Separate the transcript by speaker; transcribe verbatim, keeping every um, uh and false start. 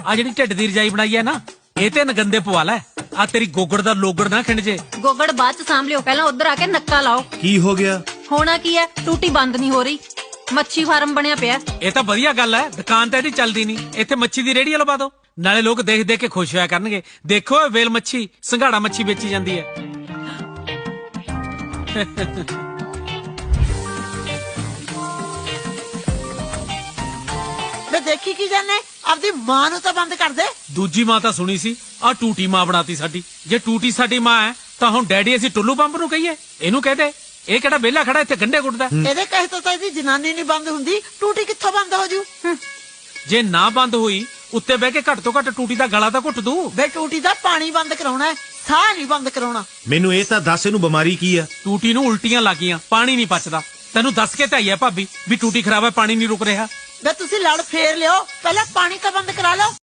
Speaker 1: ਆ ਜਿਹੜੀ ਢਿੱਡ ਦੀ ਰਜਾਈ ਬਣਾਈ ਹੈ ਨਾ ਇਹ ਤੇ ਨਗੰਦੇ ਪਵਾ ਲੈ ਆ ਤੇਰੀ ਗੋਗੜ ਦਾ ਲੋਗੜ ਨਾ ਖਿੰਡ ਜੇ
Speaker 2: ਗੋਗੜ ਬਾਅਦ ਚ ਸਾਂਭ ਲਿਓ ਪਹਿਲਾਂ ਉਧਰ ਆ ਕੇ ਨੱਕਾ ਲਾਓ
Speaker 3: ਕੀ ਹੋ ਗਿਆ
Speaker 2: ਹੋਣਾ ਕੀ ਹੈ ਟੂਟੀ ਬੰਦ ਨਹੀਂ ਹੋ ਰਹੀ ਮੱਛੀ ਫਾਰਮ ਬਣਿਆ ਪਿਆ
Speaker 1: ਇਹ ਤਾਂ ਵਧੀਆ ਗੱਲ ਹੈ ਦੁਕਾਨ ਤਾਂ ਇਹਦੀ ਚੱਲਦੀ ਨਹੀਂ ਇੱਥੇ ਮੱਛੀ ਦੀ ਰੇਹੜੀ ਲਵਾ ਦੋ ਨਾਲੇ ਲੋਕ ਦੇਖ ਦੇਖ ਕੇ ਖੁਸ਼ ਹੋਇਆ ਕਰਨਗੇ ਦੇਖੋ ਇਹ ਵੇਲ ਮੱਛੀ ਸੰਘਾੜਾ ਮੱਛੀ ਵੇਚੀ ਜਾਂਦੀ ਹੈ
Speaker 4: ਮੈਂ ਦੇਖੀ ਕੀ ਜਾਨੇ ਆਪਦੀ ਮਾਂ ਨੂੰ ਤਾਂ ਬੰਦ ਕਰ ਦੇ
Speaker 1: ਦੂਜੀ ਮਾਂ ਤਾਂ ਸੁਣੀ ਸੀ ਆ ਟੂਟੀ ਮਾਂ ਬਣਾਤੀ ਸਾਡੀ ਜੇ ਟੂਟੀ ਸਾਡੀ ਮਾਂ ਹੈ ਤਾਂ ਹੁਣ ਡੈਡੀ ਅਸੀਂ ਟੁੱਲੂ ਪੰਪ ਨੂੰ ਕਹੀਏ ਇਹਨੂੰ ਕਹਦੇ ਇਹ ਕਿਹੜਾ ਵਿਹਲਾ ਖੜਾ ਇੱਥੇ ਗੰਢੇ ਗੁੱਟਦਾ
Speaker 4: ਇਹਦੇ ਕਹੇ ਤੋਂ ਤਾਂ ਇਹਦੀ ਜਨਾਨੀ ਨਹੀਂ ਬੰਦ ਹੁੰਦੀ ਟੂਟੀ ਕਿੱਥੋਂ ਬੰਦ ਹੋ ਜੂ
Speaker 1: ਜੇ ਨਾ ਬੰਦ ਹੋਈ ਉੱਤੇ ਬਹਿ ਕੇ ਘੱਟ ਤੋਂ ਘੱਟ ਟੂਟੀ ਦਾ ਗਲਾ ਤਾਂ ਘੁੱਟ ਦੂ
Speaker 4: ਬੇ ਟੂਟੀ ਦਾ ਪਾਣੀ ਬੰਦ ਕਰਾਉਣਾ ਹੈ ਸਾਹ ਨਹੀਂ ਬੰਦ ਕਰਾਉਣਾ
Speaker 3: ਮੈਨੂੰ ਇਹ ਤਾਂ ਦੱਸ ਇਹਨੂੰ ਬਿਮਾਰੀ ਕੀ ਆ
Speaker 1: ਟੂਟੀ ਨੂੰ ਉਲਟੀਆਂ ਲੱਗੀਆਂ ਪਾਣੀ ਨਹੀਂ ਪਚਦਾ ਤੈਨੂੰ ਦੱਸ ਕੇ ਤਾਂ ਆਈ ਹੈ ਭਾਬੀ ਵੀ ਟੂਟੀ ਖਰਾਬ ਹੈ ਪਾਣੀ ਨਹੀਂ ਰੁਕ ਰਿਹਾ
Speaker 4: ਬੇ ਤੁਸੀਂ ਲੜ ਫੇਰ ਲਿਓ ਪਹਿਲਾਂ ਪਾਣੀ ਤਾਂ ਬੰਦ ਕਰਾ ਲਓ